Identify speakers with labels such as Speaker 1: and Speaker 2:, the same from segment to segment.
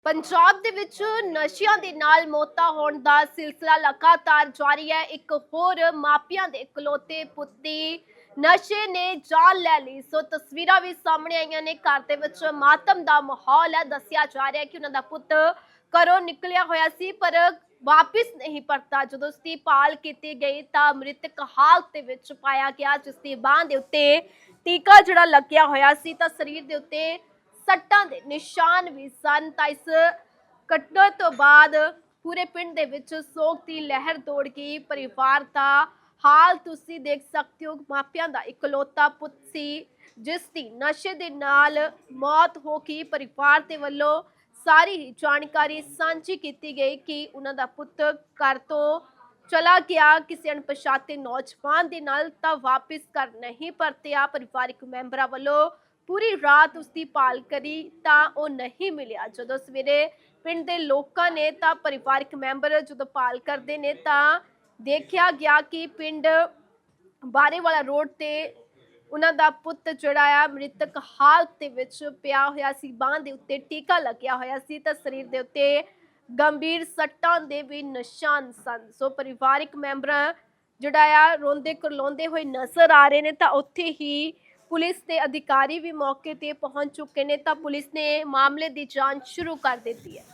Speaker 1: ਪੰਜਾਬ ਦੇ ਵਿੱਚ ਨਸ਼ਿਆਂ ਦੇ ਨਾਲ ਮੌਤਾਂ ਹੋਣ ਦਾ ਸਿਲਸਿਲਾ ਲਗਾਤਾਰ ਜਾਰੀ ਹੈ। ਇੱਕ ਹੋਰ ਮਾਪਿਆਂ ਦੇ ਇਕਲੌਤੇ ਪੁੱਤ ਦੀ ਨਸ਼ੇ ਨੇ ਜਾਨ ਲੈ ਲਈ। ਸੋ ਤਸਵੀਰਾਂ ਵੀ ਸਾਹਮਣੇ ਆਈਆਂ ਨੇ। ਘਰ ਦੇ ਵਿੱਚ ਮਾਤਮ ਦਾ ਮਾਹੌਲ ਹੈ। ਦੱਸਿਆ ਜਾ ਰਿਹਾ ਹੈ ਕਿ ਉਹਨਾਂ ਦਾ ਪੁੱਤ ਘਰੋਂ ਨਿਕਲਿਆ ਹੋਇਆ ਸੀ ਪਰ ਵਾਪਿਸ ਨਹੀਂ ਪਰਤਾ। ਜਦੋਂ ਉਸ ਦੀ ਭਾਲ ਕੀਤੀ ਗਈ ਤਾਂ ਮ੍ਰਿਤਕ ਹਾਲਤ ਦੇ ਵਿੱਚ ਪਾਇਆ ਗਿਆ, ਜਿਸ ਦੀ ਬਾਂਹ ਦੇ ਉੱਤੇ ਟੀਕਾ ਜਿਹੜਾ ਲੱਗਿਆ ਹੋਇਆ ਸੀ ਤਾਂ ਸਰੀਰ ਦੇ ਉੱਤੇ ਸੱਟਾਂ ਦੇ ਨਿਸ਼ਾਨ ਵੀ ਸਨ। ਤਾਂ ਇਸ ਘਟਨਾ ਤੋਂ ਬਾਅਦ ਪੂਰੇ ਪਿੰਡ ਦੇ ਵਿੱਚ ਸੋਗ ਦੀ ਲਹਿਰ ਦੌੜ ਗਈ। ਪਰਿਵਾਰ ਦਾ ਹਾਲ ਤੁਸੀਂ ਦੇਖ ਸਕਦੇ ਹੋ। ਮਾਪਿਆਂ ਦਾ ਇਕਲੌਤਾ ਪੁੱਤ ਸੀ ਜਿਸ ਦੀ ਨਸ਼ੇ ਦੇ ਨਾਲ ਮੌਤ ਹੋ ਗਈ। ਪਰਿਵਾਰ ਦੇ ਵੱਲੋਂ ਸਾਰੀ ਹੀ ਜਾਣਕਾਰੀ ਸਾਂਝੀ ਕੀਤੀ ਗਈ ਕਿ ਉਹਨਾਂ ਦਾ ਪੁੱਤ ਘਰ ਤੋਂ ਚਲਾ ਗਿਆ ਕਿਸੇ ਅਣਪਛਾਤੇ ਨੌਜਵਾਨ ਦੇ ਨਾਲ, ਤਾਂ ਵਾਪਿਸ ਘਰ ਨਹੀਂ ਪਰਤਿਆ। ਪਰਿਵਾਰਕ ਮੈਂਬਰਾਂ ਵੱਲੋਂ ਪੂਰੀ ਰਾਤ ਉਸ ਦੀ ਭਾਲ ਕਰੀ ਤਾਂ ਉਹ ਨਹੀਂ ਮਿਲਿਆ। ਜਦੋਂ ਸਵੇਰੇ ਪਿੰਡ ਦੇ ਲੋਕਾਂ ਨੇ ਤਾਂ ਪਰਿਵਾਰਕ ਮੈਂਬਰ ਜਦੋਂ ਭਾਲ ਕਰਦੇ ਨੇ ਤਾਂ ਦੇਖਿਆ ਗਿਆ ਕਿ ਪਿੰਡ ਬਾਰੇਵਾਲਾ ਰੋਡ ਤੇ ਉਹਨਾਂ ਦਾ ਪੁੱਤ ਜਿਹੜਾ ਆ ਮ੍ਰਿਤਕ ਹਾਲਤ ਦੇ ਵਿੱਚ ਪਿਆ ਹੋਇਆ ਸੀ। ਬਾਂਹ ਦੇ ਉੱਤੇ ਟੀਕਾ ਲੱਗਿਆ ਹੋਇਆ ਸੀ ਤਾਂ ਸਰੀਰ ਦੇ ਉੱਤੇ ਗੰਭੀਰ ਸੱਟਾਂ ਦੇ ਵੀ ਨਿਸ਼ਾਨ ਸਨ। ਸੋ ਪਰਿਵਾਰਕ ਮੈਂਬਰ ਜਿਹੜਾ ਆ ਰੋਂਦੇ ਕਰਲਾਉਂਦੇ ਹੋਏ ਨਜ਼ਰ ਆ ਰਹੇ ਨੇ। ਤਾਂ ਉੱਥੇ ਹੀ ਪੁਲਿਸ ਦੇ ਅਧਿਕਾਰੀ ਵੀ ਮੌਕੇ ਤੇ ਪਹੁੰਚ ਚੁੱਕੇ ਨੇ ਤਾਂ ਪੁਲਿਸ ਨੇ ਮਾਮਲੇ ਦੀ ਜਾਂਚ ਸ਼ੁਰੂ ਕਰ ਦਿੱਤੀ ਹੈ।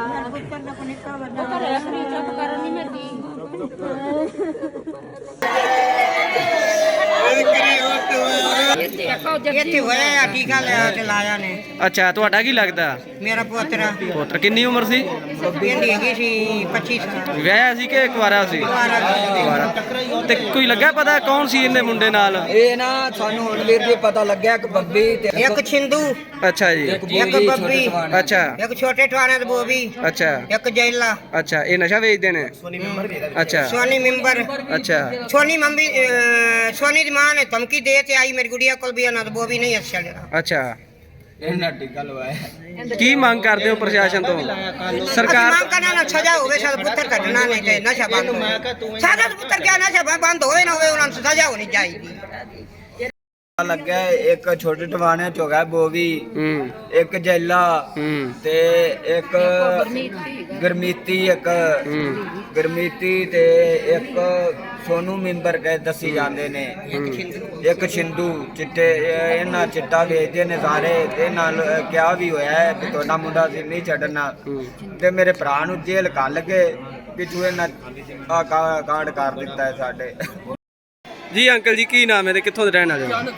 Speaker 2: ਅੱਛਾ, ਤੁਹਾਡਾ ਕੀ ਲੱਗਦਾ?
Speaker 3: ਮੇਰਾ ਪੁੱਤਰ
Speaker 2: ਕਿੰਨੀ ਉਮਰ ਸੀ?
Speaker 3: ਇਹਦੀ ਹੈਗੀ ਸੀ 25 ਸਾਲ।
Speaker 2: ਵਿਆਹਿਆ ਸੀ ਕਿ ਕੁਆਰਾ ਸੀ? ਤੇ ਕੋਈ ਲੱਗਾ ਪਤਾ ਕੌਣ ਸੀ ਇਹਦੇ ਮੁੰਡੇ ਨਾਲ?
Speaker 4: ਇਹ ਨਾ ਸਾਨੂੰ ਹੁਣ ਵੀਰ ਜੀ ਪਤਾ ਲੱਗਿਆ ਕਿ ਬੱਬੀ ਤੇ
Speaker 3: ਇੱਕ ਛਿੰਦੂ,
Speaker 2: ਅੱਛਾ ਜੀ,
Speaker 3: ਇੱਕ ਬੱਬੀ,
Speaker 2: ਅੱਛਾ
Speaker 3: ਇੱਕ ਛੋਟੇ ਟਵਾਣੇ ਦੇ ਬੋਬੀ,
Speaker 2: ਅੱਛਾ
Speaker 3: ਇੱਕ ਜੈਲਾ।
Speaker 2: ਅੱਛਾ, ਇਹ ਨਸ਼ਾ ਵੇਚਦੇ ਨੇ? ਅੱਛਾ
Speaker 3: ਸੋਨੀ ਮੈਂਬਰ,
Speaker 2: ਅੱਛਾ
Speaker 3: ਸੋਨੀ ਮੰਮੀ, ਸੋਨੀ ਦੀ ਮਾਂ ਨੇ ਧਮਕੀ ਦੇ ਤੇ ਆਈ ਮੇਰੀ ਗੁੜੀਆ ਕੋਲ ਵੀ ਉਹਨਾਂ ਦਾ ਬੋਬੀ ਨਹੀਂ ਅੱਛਾ ਜਿਹੜਾ।
Speaker 2: ਅੱਛਾ,
Speaker 4: ਇਹਨਾਂ ਟਿੱਕਾ ਲਵਾਇਆ।
Speaker 2: ਕੀ ਮੰਗ ਕਰਦੇ ਹੋ ਪ੍ਰਸ਼ਾਸਨ ਤੋਂ? ਸਰਕਾਰ
Speaker 3: ਮੰਗ ਕਰਨਾ ਨਾ ਸਜ਼ਾ ਹੋਵੇ, ਸਾਡਾ ਪੁੱਤਰ ਕੱਢਣਾ ਨਹੀਂ ਤੇ ਨਸ਼ਾ ਬੰਦ ਹੋਵੇ। ਸਾਡਾ ਪੁੱਤਰ ਕਿਆ ਨਸ਼ਾ ਬੰਦ ਹੋਵੇ ਨਾ ਹੋਵੇ, ਉਹਨਾਂ ਨੂੰ ਸਜ਼ਾ ਹੋਣੀ ਚਾਹੀਦੀ।
Speaker 4: ਲੱਗਾ ਇੱਕ ਛੋਟੇ ਟਵਾਣੇ ਚ ਹੋ ਗਿਆ ਬੋਵੀ, ਇੱਕ ਜੈਲਾ ਤੇ ਇੱਕ ਗਰਮੀਤੀ, ਇੱਕ ਗਰਮੀਤੀ ਤੇ ਇੱਕ ਸੋਨੂ ਮੈਂਬਰ ਕਹੇ ਦੱਸੀ ਜਾਂਦੇ ਨੇ। ਇੱਕ ਛਿੰਦੂ ਚਿੱਟੇ, ਇਹਨਾਂ ਚਿੱਟਾ ਵੇਚਦੇ ਨੇ ਸਾਰੇ। ਤੇ ਨਾਲ ਕਿਹਾ ਵੀ ਹੋਇਆ ਹੈ ਕਿ ਤੁਹਾਡਾ ਮੁੰਡਾ ਸੀ ਨਹੀਂ ਛੱਡਣਾ ਤੇ ਮੇਰੇ ਭਰਾ ਨੂੰ ਜੇਲ੍ਹ ਘੱਲ ਕੇ ਪਿੱਛੂ ਇਹਨਾਂ ਕਾਰਡ ਕਰ ਦਿੱਤਾ ਹੈ ਸਾਡੇ।
Speaker 2: ਜੀ ਅੰਕਲ ਜੀ, ਕੀ ਨਾਮ ਹੈ ਤੇ ਕਿੱਥੋਂ ਦੇ ਰਹਿਣ ਵਾਲੇ ਹੋ?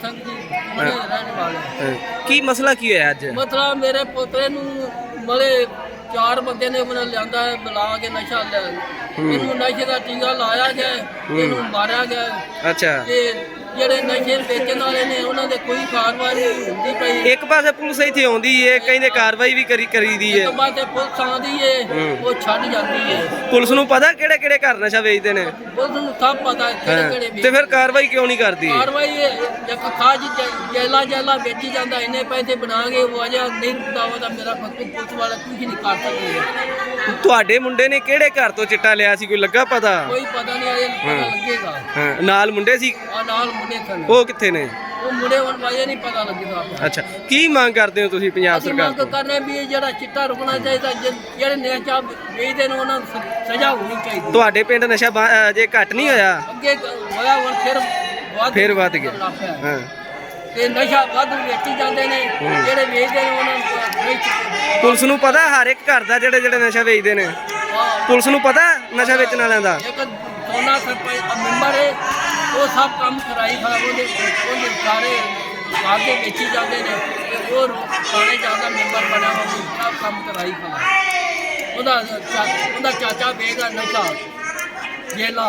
Speaker 2: ਕੀ ਮਸਲਾ ਕੀ ਹੋਇਆ ਅੱਜ?
Speaker 5: ਮਤਲਬ ਮੇਰੇ ਪੋਤੇ ਨੂੰ ਮਲੇ 4 ਬੰਦੇ ਨੇ ਉਹਨਾਂ ਲਿਆਂਦਾ ਬੁਲਾ ਕੇ ਨਸ਼ਾ ਲੈ ਇਹਨੂੰ ਨਸ਼ੇ ਦਾ ਟੀਕਾ ਲਾਇਆ ਗਿਆ, ਇਹਨੂੰ ਮਾਰਿਆ ਗਿਆ।
Speaker 2: ਅੱਛਾ,
Speaker 5: ਤੇ ਜਿਹੜੇ ਨਸ਼ੇ ਵੇਚਣ ਵਾਲੇ ਨੇ ਉਹਨਾਂ ਦੇ ਕੋਈ ਕਾਰਵਾਈ ਨਹੀਂ ਹੁੰਦੀ ਪਈ।
Speaker 2: ਇੱਕ ਪਾਸੇ ਪੁਲਿਸ ਇੱਥੇ ਆਉਂਦੀ ਏ, ਕਹਿੰਦੇ ਕਾਰਵਾਈ ਵੀ ਕਰੀਦੀ ਏ,
Speaker 5: ਇੱਕ ਪਾਸੇ ਪੁਲਿਸ ਆਉਂਦੀ ਏ ਉਹ ਛੱਡ ਜਾਂਦੀ ਏ।
Speaker 2: ਪੁਲਿਸ ਨੂੰ ਪਤਾ ਕਿਹੜੇ ਕਿਹੜੇ ਘਰ ਨਸ਼ਾ ਵੇਚਦੇ ਨੇ?
Speaker 5: ਪੁਲਿਸ ਨੂੰ ਸਭ ਪਤਾ ਕਿਹੜੇ
Speaker 2: ਤੇ ਫਿਰ ਕਾਰਵਾਈ ਕਿਉਂ ਨਹੀਂ ਕਰਦੀ?
Speaker 5: ਕਾਰਵਾਈ ਇੱਕ ਖਾਜ ਜੈਲਾ ਵੇਚੀ ਜਾਂਦਾ, ਇੰਨੇ ਪੈਸੇ ਬਣਾ ਕੇ ਉਹ ਅਜਾ ਨਹੀਂ ਦਾਵਾ ਦਾ ਮੇਰਾ ਪੁਲਿਸ ਵਾਲਾ ਕੁਝ ਨਹੀਂ ਕਰ ਸਕਦੇ।
Speaker 2: ਤੁਹਾਡੇ ਮੁੰਡੇ ਨੇ ਕਿਹੜੇ ਘਰ ਤੋਂ ਚਿੱਟਾ ਲਿਆ ਸੀ, ਕੋਈ ਲੱਗਾ ਪਤਾ?
Speaker 5: ਕੋਈ ਪਤਾ ਨਹੀਂ, ਅਜੇ ਪਤਾ ਲੱਗੇਗਾ।
Speaker 2: ਹਾਂ, ਨਾਲ ਮੁੰਡੇ ਸੀ?
Speaker 5: ਨਾਲ ਮੁੰਡੇ ਸਨ।
Speaker 2: ਉਹ ਕਿੱਥੇ ਨੇ?
Speaker 5: ਉਹ ਮੁੰਡੇ ਹੁਣ ਵਾਜੇ ਨਹੀਂ ਪਤਾ ਲੱਗੇਗਾ।
Speaker 2: ਅੱਛਾ, ਕੀ ਮੰਗ ਕਰਦੇ ਹੋ ਤੁਸੀਂ ਪੰਜਾਬ ਸਰਕਾਰ
Speaker 5: ਮੰਗ
Speaker 2: ਤੋਂ?
Speaker 5: ਕਰਨੇ ਵੀ ਇਹ ਜਿਹੜਾ ਚਿੱਟਾ ਰੁਕਣਾ ਚਾਹੀਦਾ, ਜਿਹੜੇ ਨਸ਼ਾ ਵੇਚਦੇ ਨੇ ਉਹਨਾਂ ਨੂੰ ਸਜ਼ਾ ਹੋਣੀ ਚਾਹੀਦੀ।
Speaker 2: ਤੁਹਾਡੇ ਪਿੰਡ ਨਸ਼ਾ ਜੇ ਘੱਟ ਨਹੀਂ ਹੋਇਆ?
Speaker 5: ਅੱਗੇ ਹੋਇਆ ਹੁਣ ਫਿਰ
Speaker 2: ਵੱਧ ਗਿਆ। ਹਾਂ,
Speaker 5: ਤੇ ਨਸ਼ਾ ਵੱਧ ਵੇਚੀ ਜਾਂਦੇ ਨੇ, ਜਿਹੜੇ ਵੇਚਦੇ ਨੇ ਉਹਨਾਂ ਨੂੰ
Speaker 2: ਪੁਲਿਸ ਨੂੰ ਪਤਾ ਹਰ ਇੱਕ ਘਰ ਦਾ ਜਿਹੜੇ ਨਸ਼ਾ ਵੇਚਦੇ ਨੇ? ਪੁਲਿਸ ਨੂੰ ਪਤਾ ਨਸ਼ਾ ਵੇਚਣ ਵਾਲਿਆਂ ਦਾ?
Speaker 5: ਇੱਕ ਸੋਨਾ ਸਰਪੰਚ ਮੈਂਬਰ ਹੈ, ਉਹ ਸਭ ਕੰਮ ਕਰਾਈ ਖੜਾ। ਉਹਦੇ ਸਾਰੇ ਆਗੇ ਵੇਚੀ ਜਾਂਦੇ ਨੇ ਤੇ ਉਹ ਥਾਣੇ ਜਾਂਦਾ ਮੈਂਬਰ ਬਣਾ ਹੋਇਆ, ਸਭ ਕੰਮ ਕਰਾਈ ਖੜਾ। ਉਹਦਾ ਚਾਚਾ ਵੇਗਾ ਨਸ਼ਾ ਜੇਲਾ।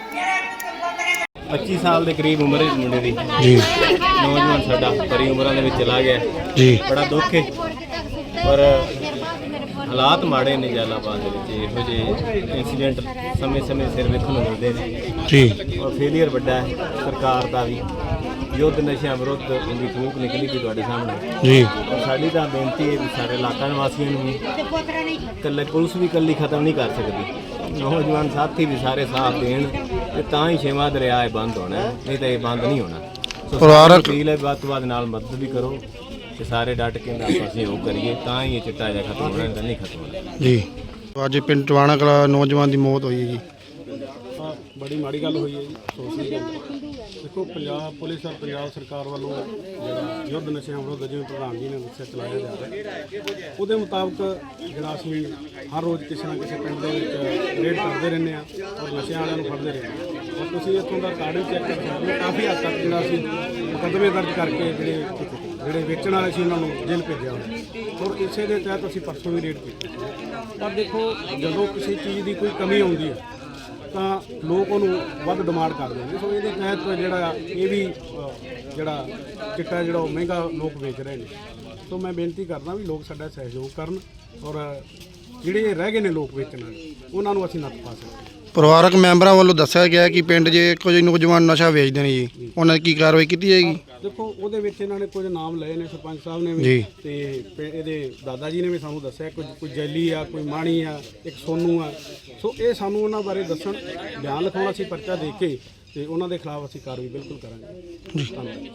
Speaker 6: 25 ਸਾਲ ਦੇ ਕਰੀਬ ਉਮਰ ਹੈ ਮੁੰਡੇ ਦੀ ਜੀ। ਨੌਜਵਾਨ ਸਾਡਾ ਬੜੀ ਉਮਰਾਂ ਦੇ ਵਿੱਚ ਚਲਾ ਗਿਆ ਜੀ। ਬੜਾ ਦੁੱਖ ਹੈ, ਪਰ ਹਾਲਾਤ ਮਾੜੇ ਨੇ ਜਲਾਲਾਬਾਦ ਦੇ ਵਿੱਚ। ਇਹੋ ਜਿਹੇ ਇਨਸੀਡੈਂਟ ਸਮੇਂ ਸਿਰ ਵੇਖਣ ਨੂੰ ਮਿਲਦੇ ਨੇ ਜੀ। ਔਰ ਫੇਲੀਅਰ ਵੱਡਾ ਹੈ ਸਰਕਾਰ ਦਾ ਵੀ। ਯੁੱਧ ਨਸ਼ਿਆਂ ਵਿਰੁੱਧ ਇਹਦੀ ਫੂਕ ਨਿਕਲੀ ਵੀ ਤੁਹਾਡੇ ਸਾਹਮਣੇ ਜੀ। ਸਾਡੀ ਤਾਂ ਬੇਨਤੀ ਹੈ ਵੀ ਸਾਰੇ ਇਲਾਕਾ ਨਿਵਾਸੀਆਂ ਨੂੰ ਇਕੱਲੇ ਪੁਲਿਸ ਵੀ ਇਕੱਲੀ ਖਤਮ ਨਹੀਂ ਕਰ ਸਕਦੀ। ਨੌਜਵਾਨ ਸਾਥੀ ਵੀ ਸਾਰੇ ਸਾਥ ਦੇਣ ਤੇ ਤਾਂ ਹੀ ਛੇਵਾਂ ਦਰਿਆ ਇਹ ਬੰਦ ਹੋਣਾ, ਨਹੀਂ ਤਾਂ ਇਹ ਬੰਦ ਨਹੀਂ ਹੋਣਾ। ਸੋ ਅਪੀਲ ਹੈ ਵੱਧ ਤੋਂ ਵੱਧ ਨਾਲ ਮਦਦ ਵੀ ਕਰੋ। ਤੇ ਸਾਰੇ ਡਟ ਕੇ ਆਪਾਂ ਸਹਿਯੋਗ ਕਰੀਏ ਤਾਂ ਹੀ ਇਹ ਚਿੱਟਾ ਜਿਹਾ ਖਤਮ ਹੋਣਾ, ਤਾਂ ਨਹੀਂ ਖਤਮ ਹੋਣਾ
Speaker 7: ਜੀ। ਅੱਜ ਪਿੰਡ ਟਵਾਣਾ ਕਲਾ ਨੌਜਵਾਨ ਦੀ ਮੌਤ ਹੋਈ ਹੈ ਜੀ।
Speaker 8: ਬੜੀ ਮਾੜੀ ਗੱਲ ਹੋਈ ਹੈ ਜੀ, ਸੋਚਣੀ ਗੱਲ ਦੇਖੋ। ਪੰਜਾਬ ਪੁਲਿਸ ਔਰ ਪੰਜਾਬ ਸਰਕਾਰ ਵੱਲੋਂ ਜਿਹੜਾ ਯੁੱਧ ਨਸ਼ਿਆਂ ਵਿਰੁੱਧ ਜਿਵੇਂ ਪ੍ਰਧਾਨ ਜੀ ਨੇ ਦੱਸਿਆ ਚਲਾਇਆ ਜਾ ਰਿਹਾ, ਉਹਦੇ ਮੁਤਾਬਕ ਜਿਹੜਾ ਅਸੀਂ ਹਰ ਰੋਜ਼ ਕਿਸੇ ਨਾ ਕਿਸੇ ਪਿੰਡ ਦੇ ਵਿੱਚ ਰੇਡ ਕਰਦੇ ਰਹਿੰਦੇ ਹਾਂ ਔਰ ਨਸ਼ਿਆਂ ਵਾਲਿਆਂ ਨੂੰ ਫੜਦੇ ਰਹਿੰਦੇ ਹਾਂ। ਔਰ ਤੁਸੀਂ ਇੱਥੋਂ ਦਾ ਕਾਰਡ ਵੀ ਚੈੱਕ ਕਰ ਸਕਦੇ ਹੋ, ਕਾਫੀ ਹੱਦ ਤੱਕ ਜਿਹੜਾ ਅਸੀਂ ਮੁਕੱਦਮੇ ਦਰਜ ਕਰਕੇ ਜਿਹੜੇ ਵੇਚਣ ਵਾਲੇ ਸੀ ਉਹਨਾਂ ਨੂੰ ਜੇਲ੍ਹ ਭੇਜਿਆ ਹੋਇਆ। ਔਰ ਇਸੇ ਦੇ ਤਹਿਤ ਅਸੀਂ ਪਰਸੋਂ ਵੀ ਰੇਡ ਕੀਤੀ। ਪਰ ਦੇਖੋ, ਜਦੋਂ ਕਿਸੇ ਚੀਜ਼ ਦੀ ਕੋਈ ਕਮੀ ਆਉਂਦੀ ਹੈ ਤਾਂ ਲੋਕ ਉਹਨੂੰ ਵੱਧ ਡਿਮਾਂਡ ਕਰਦੇ ਨੇ। ਸੋ ਇਹਦੇ ਤਹਿਤ ਜਿਹੜਾ ਇਹ ਵੀ ਜਿਹੜਾ ਚਿੱਟਾ ਜਿਹੜਾ ਉਹ ਮਹਿੰਗਾ ਲੋਕ ਵੇਚ ਰਹੇ ਨੇ। ਸੋ ਮੈਂ ਬੇਨਤੀ ਕਰਦਾ ਵੀ ਲੋਕ ਸਾਡਾ ਸਹਿਯੋਗ ਕਰਨ ਔਰ ਜਿਹੜੇ ਰਹਿ ਗਏ ਨੇ ਲੋਕ ਵੇਚਣ ਵਾਲੇ ਉਹਨਾਂ ਨੂੰ ਅਸੀਂ ਨੱਥ ਪਾ ਸਕੀਏ।
Speaker 7: ਪਰਿਵਾਰਕ ਮੈਂਬਰਾਂ ਵੱਲੋਂ ਦੱਸਿਆ ਗਿਆ ਕਿ ਪਿੰਡ 'ਚ ਕੁਝ ਨੌਜਵਾਨ ਨਸ਼ਾ ਵੇਚਦੇ ਨੇ ਜੀ, ਉਹਨਾਂ ਦੀ ਕੀ ਕਾਰਵਾਈ ਕੀਤੀ ਜਾਏਗੀ?
Speaker 8: ਦੇਖੋ, ਉਹਦੇ ਵਿੱਚ ਇਹਨਾਂ ਨੇ ਕੁਝ ਨਾਮ ਲਏ ਨੇ, ਸਰਪੰਚ ਸਾਹਿਬ ਨੇ ਵੀ
Speaker 7: ਜੀ।
Speaker 8: ਤੇ ਇਹਦੇ ਦਾਦਾ ਜੀ ਨੇ ਵੀ ਸਾਨੂੰ ਦੱਸਿਆ ਕੋਈ ਜੈਲੀ ਆ, ਕੋਈ ਮਾਣੀ ਆ, ਇੱਕ ਸੋਨੂ ਆ। ਸੋ ਇਹ ਸਾਨੂੰ ਉਹਨਾਂ ਬਾਰੇ ਦੱਸਣ, ਬਿਆਨ ਲਿਖਾਉਣਾ, ਅਸੀਂ ਪਰਚਾ ਦੇ ਕੇ ਤੇ ਉਹਨਾਂ ਦੇ ਖਿਲਾਫ ਅਸੀਂ ਕਾਰਵਾਈ ਬਿਲਕੁਲ ਕਰਾਂਗੇ। ਧੰਨਵਾਦ।